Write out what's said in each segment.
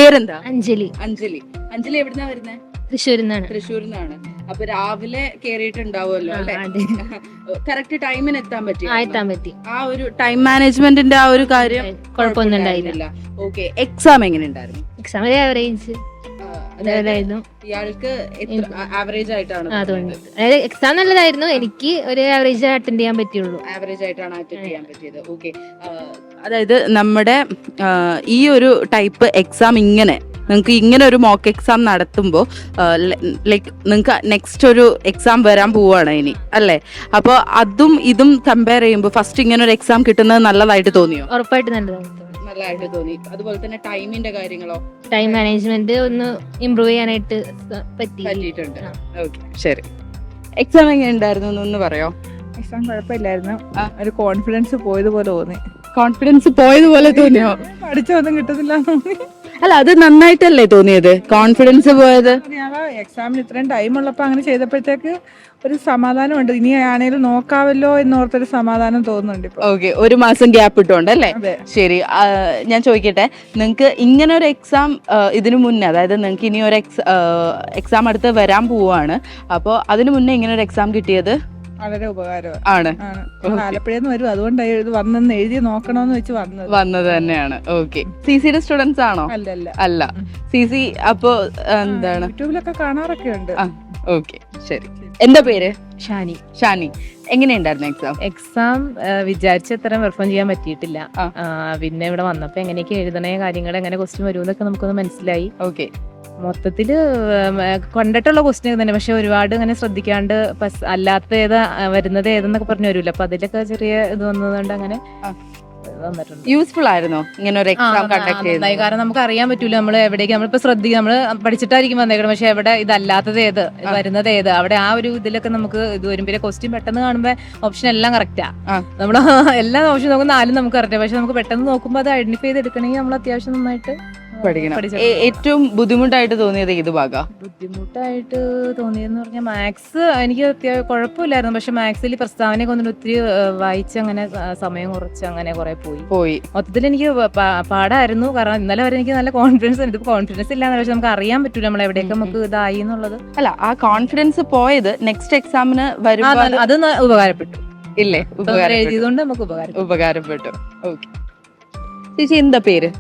പേരെന്താ? അഞ്ജലി. അഞ്ജലി. അഞ്ജലി എവിടുന്നാ വരുന്നേ? തൃശ്ശൂരിന്നാണ്. അപ്പൊ രാവിലെ കേറിയിട്ടുണ്ടാവുമല്ലോ അല്ലെ? കറക്റ്റ് ടൈമിന് എത്താൻ പറ്റി? ആ ഒരു ടൈം മാനേജ്മെന്റിന്റെ ആ ഒരു കാര്യം കുഴപ്പമൊന്നും ഉണ്ടായില്ല. ഓക്കെ. എക്സാം എങ്ങനെ ഉണ്ടായിരുന്നു? Exam average. ഇയാൾക്ക് ആവറേജ് ആയിട്ടാണ്? അതായത് എക്സാം നല്ലതായിരുന്നു, എനിക്ക് ഒരു ആവറേജ് അറ്റൻഡ് ചെയ്യാൻ പറ്റുള്ളൂ. ആവറേജ് ആയിട്ടാണ് അറ്റൻഡ് ചെയ്യാൻ പറ്റിയത്. ഓക്കെ. അതായത് നമ്മുടെ ഈ ഒരു ടൈപ്പ് എക്സാം നിങ്ങൾക്ക് ഇങ്ങനെ ഒരു മോക്ക് എക്സാം നടത്തുമ്പോൾ ലൈക്ക് നിങ്ങൾക്ക് നെക്സ്റ്റ് ഒരു എക്സാം വരാൻ പോവുകയാണ് ഇനി അല്ലേ? അപ്പോൾ അതും ഇതും കമ്പയർ ചെയ്യുമ്പോൾ ഫസ്റ്റ് ഇങ്ങനെ ഒരു എക്സാം കിട്ടുന്നത് നല്ലതായിട്ട് തോന്നിയോ? ഉറപ്പായിട്ട് നല്ലതായിട്ട് തോന്നി. അതുപോലെ തന്നെ ടൈമിന്റെ കാര്യങ്ങളോ? ടൈം മാനേജ്മെന്റ് ഒന്ന് ഇമ്പ്രൂവ് ചെയ്യാനായിട്ട് പറ്റിയിട്ടുണ്ട്. ഓക്കെ, ശരി. എക്സാം എങ്ങനെ ഉണ്ടായിരുന്നു എന്ന് പറയോ? എക്സാം കുഴപ്പമില്ലായിരുന്നു. ഒരു കോൺഫിഡൻസ് പോയതുപോലെ തോന്നി. തോന്നിയോ? പഠിച്ചൊന്നും കിട്ടുന്നില്ല. അല്ല, അത് നന്നായിട്ടല്ലേ തോന്നിയത്? കോൺഫിഡൻസ് പോയത് എക്സാമിന് ഇത്രയും ടൈം ഉള്ളപ്പോ അങ്ങനെ ചെയ്തപ്പോഴത്തേക്ക് ഒരു സമാധാനമുണ്ട്. ഇനി ആണേലും നോക്കാവല്ലോ എന്നോർത്തൊരു സമാധാനം തോന്നുന്നുണ്ട് ഇപ്പൊ. ഓക്കെ, ഒരു മാസം ഗ്യാപ്പ് ഇട്ടോണ്ട് അല്ലേ? ശരി. ഞാൻ ചോദിക്കട്ടെ, നിങ്ങൾക്ക് ഇങ്ങനെ ഒരു എക്സാം ഇതിനു മുന്നേ, അതായത് നിങ്ങൾക്ക് ഇനി ഒരു എക്സാം അടുത്ത് വരാൻ പോവാണ്, അപ്പോൾ അതിനു മുന്നേ ഇങ്ങനെ ഒരു എക്സാം കിട്ടിയത് വളരെ ഉപകാരമാണ്. ആലപ്പുഴന്ന് വരും, അതുകൊണ്ട് വന്നെന്ന് എഴുതി നോക്കണോന്ന് വെച്ച് വന്നത് തന്നെയാണ്. ഓക്കെ. സിസിയുടെ സ്റ്റുഡൻസ് ആണോ? അല്ല. സിസി അപ്പോ എന്താണ്, യൂട്യൂബിലൊക്കെ കാണാറൊക്കെ ഉണ്ട്. ഓക്കെ, ശരി. എന്താ പേര്? ഷാനി. എങ്ങനെയുണ്ടായിരുന്നു എക്സാം? വിചാരിച്ച അത്ര പെർഫോം ചെയ്യാൻ പറ്റിയിട്ടില്ല. പിന്നെ ഇവിടെ വന്നപ്പോ എങ്ങനെയൊക്കെ എഴുതണേ, കാര്യങ്ങൾ എങ്ങനെ ക്വസ്റ്റ്യൻ വരുമെന്നൊക്കെ നമുക്കൊന്ന് മനസ്സിലായി. ഓക്കെ. മൊത്തത്തില് കണ്ടിട്ടുള്ള ക്വസ്റ്റ്യൻ തന്നെ, പക്ഷെ ഒരുപാട് അങ്ങനെ ശ്രദ്ധിക്കാണ്ട് അല്ലാത്ത വരുന്നത് ഏതെന്നൊക്കെ പറഞ്ഞു വരൂല, അപ്പൊ അതിലൊക്കെ ചെറിയ ഇത് വന്നതുകൊണ്ട് അങ്ങനെ വന്നിട്ടുണ്ട്. യൂസ്ഫുൾ ആയിരുന്നോ ഇങ്ങനെ ഒരു എക്സാം കണ്ടക്ട് ചെയ്തത്? കാരണം നമുക്ക് അറിയാൻ പറ്റൂല നമ്മൾ എവിടേക്ക്, നമ്മളിപ്പോ ശ്രദ്ധിക്കുക, നമ്മള് പഠിച്ചിട്ടായിരിക്കും വന്നേക്കണം, പക്ഷെ എവിടെ ഇതല്ലാത്തത് ഏത്, വരുന്നത് ഏത്, അവിടെ ആ ഒരു ഇതിലൊക്കെ നമുക്ക് ഇത് വരും. പിന്നെ ക്വസ്റ്റ്യൻ പെട്ടെന്ന് കാണുമ്പോ ഓപ്ഷൻ എല്ലാം കറക്റ്റാ, നമ്മള് എല്ലാ ഓപ്ഷൻ നോക്കുമ്പോൾ 4 നമുക്ക് കറക്റ്റാ, പക്ഷെ നമുക്ക് പെട്ടെന്ന് നോക്കുമ്പോൾ അത് ഐഡന്റിഫൈ ചെയ്തെടുക്കണമെങ്കിൽ നമ്മൾ അത്യാവശ്യം നന്നായിട്ട് പഠിക്കണം. ഏറ്റവും ബുദ്ധിമുട്ടായിട്ട് തോന്നിയത് ഏത് ഭാഗം? ബുദ്ധിമുട്ടായിട്ട് തോന്നിയെന്ന് പറഞ്ഞാൽ മാത്സ് എനിക്ക് കുഴപ്പമില്ലായിരുന്നു, പക്ഷെ മാത്സിൽ പ്രസ്താവനയൊക്കെ ഒന്നും ഒത്തിരി വായിച്ച് അങ്ങനെ സമയം കുറച്ച് അങ്ങനെ കുറെ പോയി. മൊത്തത്തിൽ എനിക്ക് പാടായിരുന്നു. കാരണം ഇന്നലെ വരെ എനിക്ക് നല്ല കോൺഫിഡൻസ് ഉണ്ട്. കോൺഫിഡൻസ് ഇല്ലാന്ന്, പക്ഷെ നമുക്ക് അറിയാൻ പറ്റൂല നമ്മൾ എവിടെയൊക്കെ നമുക്ക് ഇതായി എന്നുള്ളത്. അല്ല, ആ കോൺഫിഡൻസ് പോയത് നെക്സ്റ്റ് എക്സാമിന് വരുമ്പോൾ അത് ഉപകാരപ്പെട്ടു. ഇല്ലേ? എഴുതിയതുകൊണ്ട് നമുക്ക് ഉപകാരപ്പെട്ടു. ഓക്കെ. ചേച്ചി എന്താ പേര്?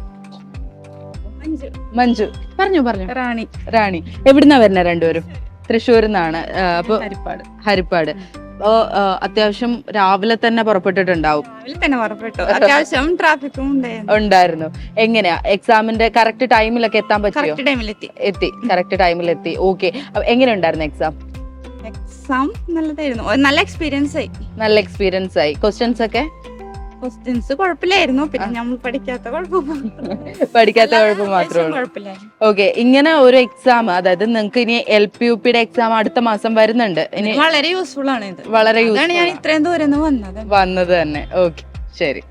മഞ്ജു. പറഞ്ഞു. റാണി. എവിടുന്നാ വരുന്ന രണ്ടുപേരും? തൃശ്ശൂരിന്നാണ്. അപ്പൊ ഹരിപ്പാട്. അപ്പോ അത്യാവശ്യം രാവിലെ തന്നെ പുറപ്പെട്ടിട്ടുണ്ടാവും. അത്യാവശ്യം ട്രാഫിക്കും ഉണ്ടായിരുന്നു. എങ്ങനെയാ എക്സാമിന്റെ കറക്റ്റ് ടൈമിലൊക്കെ എത്താൻ പറ്റിയോ? കറക്റ്റ് ടൈമിൽ എത്തി. ഓക്കെ. എങ്ങനെ ഉണ്ടായിരുന്നു എക്സാം? നല്ലതായിരുന്നു. നല്ല എക്സ്പീരിയൻസ് ആയി. ക്വസ്റ്റ്യൻസ് കുഴപ്പമില്ലായിരുന്നു. പിന്നെ നമ്മൾ പഠിക്കാത്ത കുഴപ്പം മാത്രമേ ഉള്ളൂ. ഓക്കെ. ഇങ്ങനെ ഒരു എക്സാം, അതായത് നിങ്ങൾക്ക് ഇനി LP UPയുടെ എക്സാം അടുത്ത മാസം വരുന്നുണ്ട്. വളരെ യൂസ്ഫുൾ ആണ് ഇത്. വളരെ ഞാൻ ഇത്രയും ദൂരം വന്നത് തന്നെ. ഓക്കെ, ശരി.